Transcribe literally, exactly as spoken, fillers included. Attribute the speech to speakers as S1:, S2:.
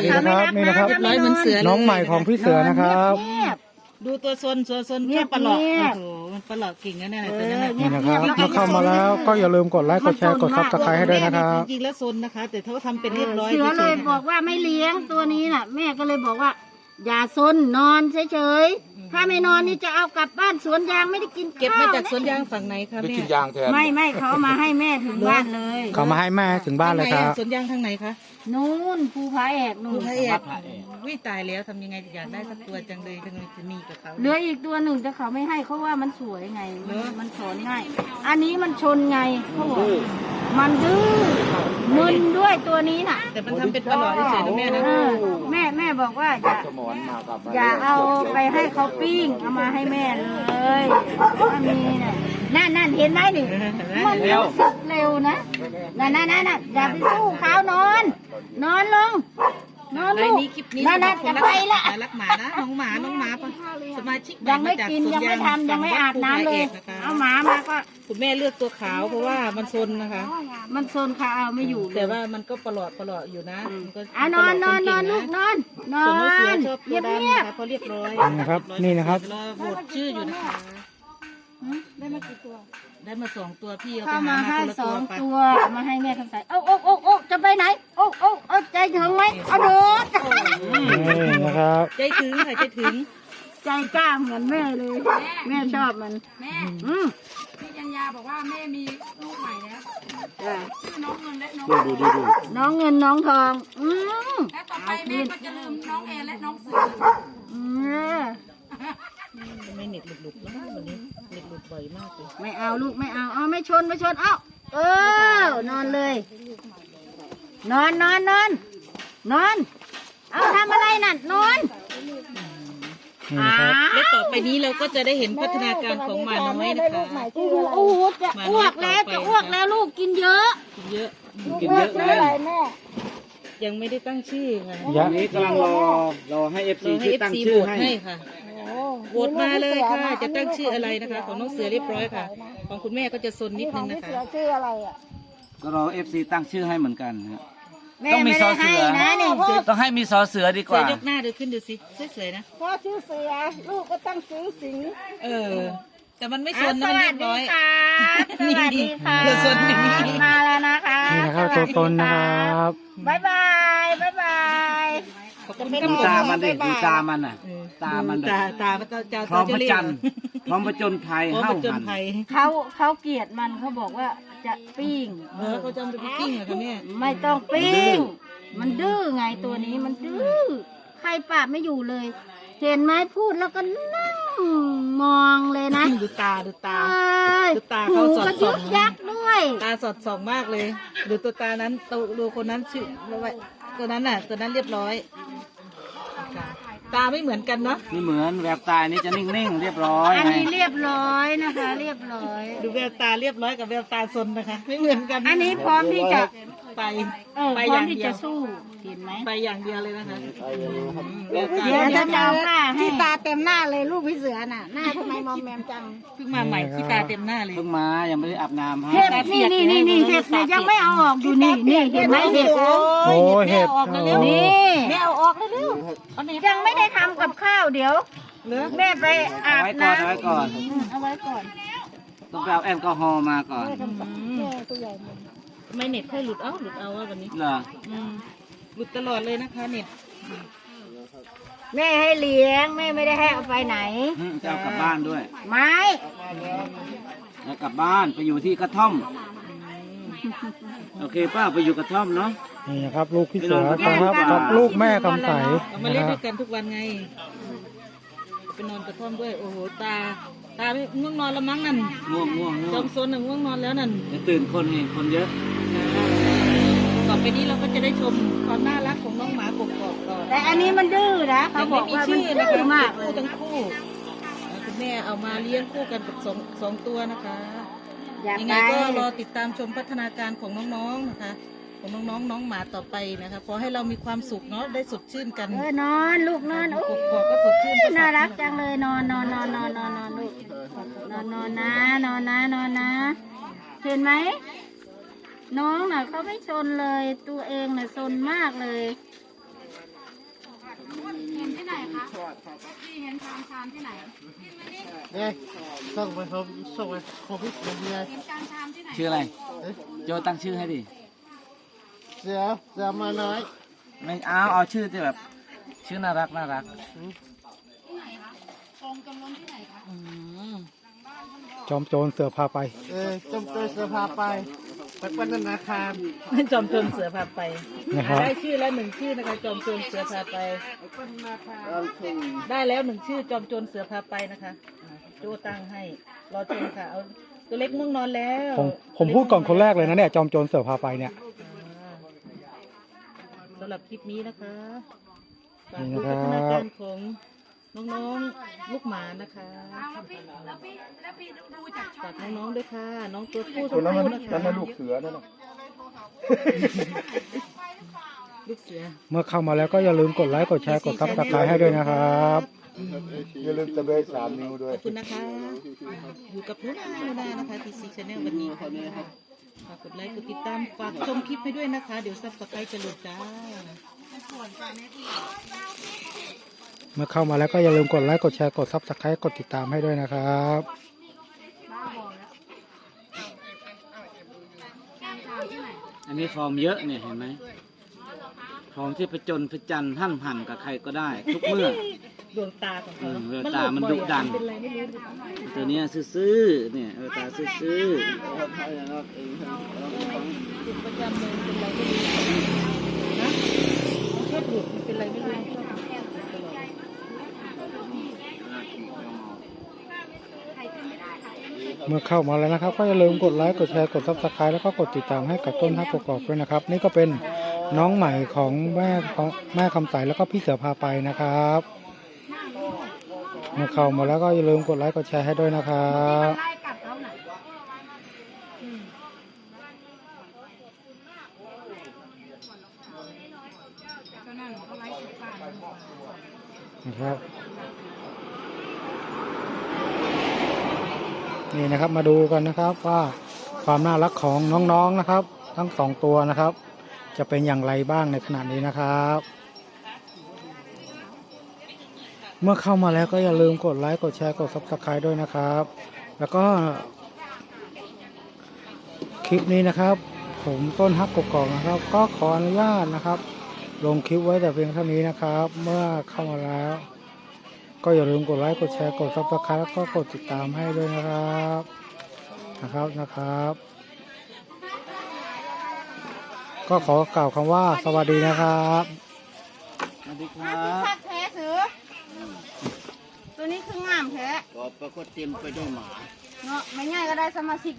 S1: นะครับนี่นะครับ
S2: เรียบร้อยเหมือนเสือเลย
S1: น้องใหม่ของพี่เสือนะครับ
S2: ดูตัวซนตัวซนแค่ปลอกโอ้โหมันปลอกกิ่งนะเนี่ยตัวนั้นน่ะ
S1: นี่นะครับเมื่อเข้ามาแล้วก็อย่าลืมกดไลค์กดแชร์กดซับสไครต์ให้ด้วยนะครับ
S2: จริงๆแล้วซนนะคะ แต่เขาทำเป็นเรียบร้อย
S3: เสือเลยบอกว่าไม่เลี้ยงตัวนี้น่ะ แม่ก็เลยบอกว่า อย่าซนนอนเฉยๆถ้าไม่นอนนี่จะเอากลับบ้านสวนยางไม่ได้กินข้าว
S2: เก็บมาจากสวนยางฝั่งไหนคะ
S4: ได้
S2: แม่
S4: กินยางแทน
S3: ไม่ไม่เขาเอามาให้แม่ถึงบ้านเลย
S1: เขามาให้แม่ถึงบ้านเลยครับ
S2: สวนยางทางไหนคะ
S3: นู่นภูผาแอกนู่
S2: ภู
S3: น
S2: พระเอกวิตายแล้วทำยังไงอยากได้สักตัวจังเลยจังเลยจะมีกับเขา
S3: เหลืออีกตัวหนึ่งแต่เขาไม่ให้เขาว่ามันสวยไง
S2: เหรอ
S3: มันถอนง่าย อันนี้มันชนไงเขาบอกมันดื้อมึนด้วยตัวนี้น่ะ
S2: แต่มันทำเป็นปลอกเฉยๆนะแม่นะ
S3: เออแม่แม่บอกว่าอย่า
S4: สมอนมากับ
S3: อย่าเอาไปให้เขาปิ้งเอามาให้แม่เลยถ้ามีเนี่ยนั่นนั่นเห็นไหมนี่มันรู้สึกเร็วนะนั่นนั่นนั่นน่ะอย่าไปสู้เขานอน นอนลง นอน
S2: ไล
S3: ลู
S2: น์
S3: ก
S2: นี้คลิปนี้
S3: นั่นนั่น
S2: สำห
S3: จะ
S2: รับ
S3: ไป
S2: คน
S3: ละ
S2: รักหมานะน้องหมาน้องหมาปะสมาชิก
S3: ยังไม่
S2: าจาก
S3: กิน
S2: สว
S3: ยังไม่
S2: า
S3: ทำยังไม่อาบน้ำเลย
S2: นะคะ
S3: เอาหมามาก็
S2: คุณแม่เลือกตัวขาวเพราะว่ามันซนนะคะ
S3: มันโซนค่ะเอาไม่อยู่เล
S2: แต่
S3: ย
S2: ว่ามันก็ปลอดปลอดอยู่นะมันก็
S3: อ่ะนอนนอนนอนลูกนอนนอ
S2: ส่วนน้องเสือน ชอบ
S3: เงี
S2: ตัวย
S3: บ
S2: ดำ
S3: เงีย
S2: นะ
S3: บ
S2: คะเพราะเรียบร้อย
S1: นี่นะครับนี่นะครับ
S2: รอโหวตชื่ออยู่นะคะ
S3: ได้มากี่ตัว
S2: ได้มาสองตัวพี่เอาไป
S3: เข้า
S2: หา
S3: มา
S2: มา
S3: ให้
S2: คนละ
S3: ส
S2: ตั
S3: อ
S2: ว
S3: ง
S2: ไป
S3: ตัวมาให้แม่ทำใส่โอ้โอ้โอ้โอ้จะไปไหนโอ้โอ้โอ้ใจถึงไหมเอาโดด
S1: นี่นะครับ
S2: ใจถึงค่ะใจถึง
S3: ใจกล้าเหมือนแม่เลย แม่ชอบมัน
S5: แม่
S3: อืม
S5: พี่จัญญาบอกว่าแม่มีลูกใหม่แล้ว
S3: จ้ะ
S5: ชื่อน้องเงินและน้อง
S4: ดูดูดูดู
S3: น้องเงินน้องทองอืม
S5: และต่อไปแม่ก็จะลืมน้องแอนและน้องเสือ
S3: อืม
S2: ไม่เน็ตหลุดๆแล้ววันนี้เน็ตหลุดบ่อยมากเลย
S3: ไม่เอาลูกไม่เอาเอาไม่ชนไม่ชนเอ้าเออนอนเลย นอนนอนนอนนอน เอาทำอะไรนั่นนอน
S1: นี่นะครับ
S2: และต่อไปนี้เราก็จะได้เห็นพัฒนาการของหมาน้อยนะคะ
S3: โอ้โหโอ้โหจะอ้วกแล้วจะอ้วกแล้วลูกกินเยอะ
S2: กินเยอะ
S4: กินเยอะนะ
S2: ยังไม่ได้ตั้งชื่อค่ะ
S1: ยะ
S4: นี้กำลังรอรอให้เอฟ
S2: เรา
S4: ซี
S2: ให้
S4: ช่วย
S2: เอฟ
S4: ตั้ง
S2: ซี
S4: ชื่
S2: โห
S4: อ
S2: วต
S4: ให้
S2: ให้ค่ะโหวตมาเลยค่ะ จะตั้งชื่ออะไรนะคะ ของน้องเสือเรียบร้อยค่ะ ของคุณแม่ก็จะซนนิดนึงนะคะ
S3: ชื่ออะไรอ่ะ
S4: ก็รอเอฟซีตั้งชื่อให้เหมือนกันนะ
S3: แม่
S4: ต้องมี
S3: ไม่
S4: ซ
S3: ได้
S4: อเสื
S3: ให้
S4: อ
S3: นะนี่
S4: ต้องให้มีซอเสือดีก
S2: เสือ
S4: ว่า
S2: ยกหน้าดูขึ้นดูสิสวยๆนะ
S3: พ่อชื่อเสือลูกก็ตั้งซื้อสิง
S2: เออ แต่มันไม่ซ
S3: อ่ะ
S2: น
S3: ส
S2: นะมัน
S3: วั
S2: เรี
S3: ส
S2: ยบ
S3: ดี
S2: ร้อย
S3: ค่ะส
S2: นี่
S3: วัสดีค่ะ
S2: เธอซนอย่างนี้
S3: มาแล้วนะคะ
S1: นี่นะครับตัวตนนะครับ
S3: บ๊ายบายบ๊ายบาย
S2: เขาก็
S4: ดูตามันดิดูตามันอ่ะ ตามันแบบ
S2: ตาตาตาตา
S4: พร้อมพ
S2: จะ
S4: ระ
S2: เรียก
S4: จันทร์พร้อมประจนภัย
S2: พร้อม
S4: เฮ้า
S2: ประจน
S4: หัน
S2: ภัย
S3: เขาเขาเกลียดมันเขาบอกว่าจะปิ้ง
S2: เออเขาจะเอาไปปิ้งเหรอคะเนี่ย
S3: ไม่ต้องปิ้ง มันดื้อไงตัวนี้มันดื้อ ใครปราบไม่อยู่เลย เห็นไหมพูดแล้วก็นั่งมองเลยนะ
S2: ดูตาดูตา
S3: เอ้ย
S2: ดูตา
S3: หู
S2: เขาสอด
S3: ก็
S2: ส่
S3: ยึ
S2: อง
S3: กยักด้วย
S2: ตาสอดส่องมากเลยดูตัวตานั้นตัวดูคนนั้นชื่อตัวนั้นน่ะ ตัวนั้นเรียบร้อยตาไม่เหมือนกันเนาะ
S4: นี่เหมือนแววตานี่จะนิ่งๆเรียบร้อย
S3: อัน
S4: ไง
S3: นี้เรียบร้อยนะคะ เรียบร้อย
S2: ดูแววตาเรียบร้อยกับแววตาซนนะคะ ไม่เหมือนกัน
S3: อันนี้พร้อมที่จะ
S2: ไป
S3: เออ
S2: ไป
S3: พร้
S2: อ
S3: อม
S2: ย่าง
S3: ที่
S2: เดีย
S3: จะ
S2: ว
S3: สู้เห็นไหม
S2: ไปอย่างเดียวเลยนะคะแววตา
S3: เดี๋ยวจะจะเอาผ้าให้
S5: ตาเต็มหน้าเลยลูกพี่เสือน่ะ หน้าทำไมมอมแมมจัง
S2: เพิ่งมาใหม่ขี้ตาเต็มหน้าเลย
S4: เพิ่งมายังไม่ได้อาบน้ำฮะ
S3: เห็ดนี่นี่นี่นี่เห็ดเนี่ยยังไม่เอาออกอยู่นี่นี่เห็นไหมเห็ด
S1: โอ้เห็ด
S3: นี่
S2: แม่เอาออกเร็วๆเอาเนี่ย
S3: ยังไม่ได้ทำกับข้าวเดี๋ยว
S2: เหลือ
S3: แม่ไปอา
S4: เอา
S3: บ
S4: ไว้ก่อน
S3: น้ำ
S4: เอาไว้ก่อน
S3: เอาไว้ก่อน
S4: ต้องไปเอาแอลกอฮอล์มาก่อน
S2: ไม่เน็ตค่อยหลุดเอาหลุดเอาว่าวันนี้
S4: เหรอ
S2: อืมหลุดตลอดเลยนะคะเน็ต
S3: แม่ให้เลี้ยงแม่ไม่ได้ให้เอาไปไหน
S4: อืมจะเอากลับบ้านด้วย
S3: ไม่
S4: แล้วกลับบ้านไปอยู่ที่กระท่อม โอเคป้าไปอยู่กระท่อมเนาะ
S1: นี่นะครับลูกพี่เสือครับกับลูกแม่คำใส
S2: เรามา
S1: นะ
S2: เล่น
S1: ค
S2: ด้
S1: รั
S2: ว
S1: บ
S2: ยกันทุกวันไงไปนอนกระท่อมด้วยโอ้โหตา ตาไม่ง่วงนอนแล้วมั้งนั่น
S4: ง่วงง่วง
S2: จ
S4: ง่ว
S2: อง มโซนน่ะง่วงนอนแล้วนั่น
S4: จะตื่นคนนี่คนเยอะ
S2: ต่อไปนี้เราก็จะได้ชมความน่ารักของน้องหมากบกอกก่อน
S3: แต่อันนี้มันดื้อนะเขา
S2: แต่
S3: บ
S2: ไม่
S3: อก
S2: มี
S3: ว่ามัน
S2: ชื่อนะ
S3: ดื้อ
S2: คะ
S3: มากเล
S2: คู่
S3: ย
S2: ทั้งคู่คุณแม่เอามาเลี้ยงคู่กันกับสองสองตัวนะคะ
S3: อย่า
S2: ยัง
S3: ไป
S2: ไงก็รอติดตามชมพัฒนาการของน้องๆนะคะ ของน้องๆน้องหมาต่อไปนะคะขอให้เรามีความสุขเนาะได้สดชื่นกัน
S3: เออนอนลูกนอนโอ้
S2: กบกอกก็สดชื่น
S3: ยน่ารักจังเลยนอนนอนนอนนอนนอนนอนลูกนอนนอนนะนอนนะนอนนะเห็นไหมน้องน่ะเขาไม่ชนเลยตัวเองน่ะชนมากเลย
S5: เห็นที่ไหนคะพี่เห็นชามชามที่ไหน
S6: เนี่ยส่งไปผมส่งไปผมพี่ผมเนี่ย
S5: เห็นชามชามที่ไหน
S4: ชื่ออะไร โจตั้งชื่อให้ดิ
S6: เสือเสือมาน้อย
S4: ไม่เอาเอาชื่อที่แบบ ชื่อน่ารักน่ารัก
S5: ที่ไหนคะกองจำลองที่ไหนคะ
S1: จอมโจรเสือพาไป
S6: เออจมตัวเสือพาไปไปปนธนาคาร
S2: จอมโจรเสือพาไป
S1: นะครับ
S2: ได้ชื่อแล้วหนึ่งชื่อนะคะ จอมโจรเสือพาไป ได้แล้วหนึ่งชื่อจอมโจรเสือพาไปนะคะอ่าโจตั้งให้รอชมค่ะเอาตัวเล็กม่วงนอนแล้ว
S1: ผมผมพูดก่อนคนแรกเลยนะเนี่ยจอมโจรเสือพาไปเนี่ย
S2: อ่าสำหรับคลิปนี้นะคะฝาก
S1: นี่
S2: ดู
S1: นะค
S2: พั
S1: รับ
S2: ฒนาการของน้องๆลูกหมานะคะ
S5: อ้าวแล้วพี่แล้วพี่แล้วพี่ดูจากช่อ
S2: ฝาง กน้องๆด้วยค่ะ น้องตัวผู้
S1: ตั
S2: ตัว ว
S1: นั้นมัน
S2: ผู้นะคะ
S1: นั่นมันลูกเสือนั่นน่ะ
S2: ลูกเสือ
S1: เมื่อเข้ามาแล้วก็อย่าลืมกดไลค์กดแชร์กดซับสไครต์ให้ด้วยนะครับ
S7: อย่าลืมตะเบยสามนิ้วด้วย
S2: ขอบคุณนะคะ อยู่กับนุนานุนานะคะทีซีชาแนลวันนี้ค่ะฝากกดไลค์กดติดตามฝากชมคลิปให้ด้วยนะคะ เดี๋ยวซับสไครต์จะหลุดจ้า
S1: เมื่อเข้ามาแล้วก็อย่าลืมกดไลค์กดแชร์กดซับสไครต์กดติดตามให้ด้วยนะครับ
S4: อันนี้ฟอร์มเยอะเนี่ยเห็นไหมฟอร์มที่ประจนประจันหั่นหั่นกับใครก็ได้ ทุกเมื่อ
S2: ดวงตาของเขา
S4: อืมดวงตามันดุดัน
S2: เป็นไรไม่รู้
S4: ตัวเนี้ยซื่อๆเนี่ยเออตาซื่อ
S2: จุดประจำเลยเป็นไรไม่รู้นะชอบหลุดมันเป็นไรไม่รู้ชอบหลุดตลอด
S1: เมื่อเข้ามาแล้วนะครับ ก็อย่าลืมกดไลค์กดแชร์กดซับสไครต์แล้วก็กดติดตามให้กับต้นฮักกกอกด้วยนะครับ นี่ก็เป็นน้องใหม่ของแม่ของแม่คำใสแล้วก็พี่เสือพาไปนะครับ เมื่อเข้ามาแล้วก็อย่าลืมกดไลค์กดแชร์ให้ด้วยนะครับ
S5: ไล่กัดเขาหน่ะก็นั่นเขาไล่สุดป่าน
S1: นะครับนี่นะครับมาดูกันนะครับว่าความน่ารักของน้องๆนะครับ ทั้งสองตัวนะครับ จะเป็นอย่างไรบ้างในขณะนี้นะครับ เมื่อเข้ามาแล้วก็อย่าลืมกดไลค์กดแชร์กด ซับสไครต์ ด้วยนะครับ แล้วก็คลิปนี้นะครับ ผมต้นฮักกกอกนะครับ ก็ขออนุญาตนะครับ ลงคลิปไว้แต่เพียงเท่านี้นะครับ เมื่อเข้ามาแล้ว ก็อย่าลืมกดไลค์กดแชร์กด ซับสไครต์ แล้วก็กดติดตามให้ด้วยนะครับนะครับนะครับ ก็ขอกล่าวคำว่าสวัสดีนะครับ
S4: ๆสวัสดีครับ
S3: คักแท้เสือตัวนี้คืองามแท้
S7: ก็ปรากฏเต็มไปด้วยหมา
S3: เนาะไม่ง่ายก็ได้สมาชิก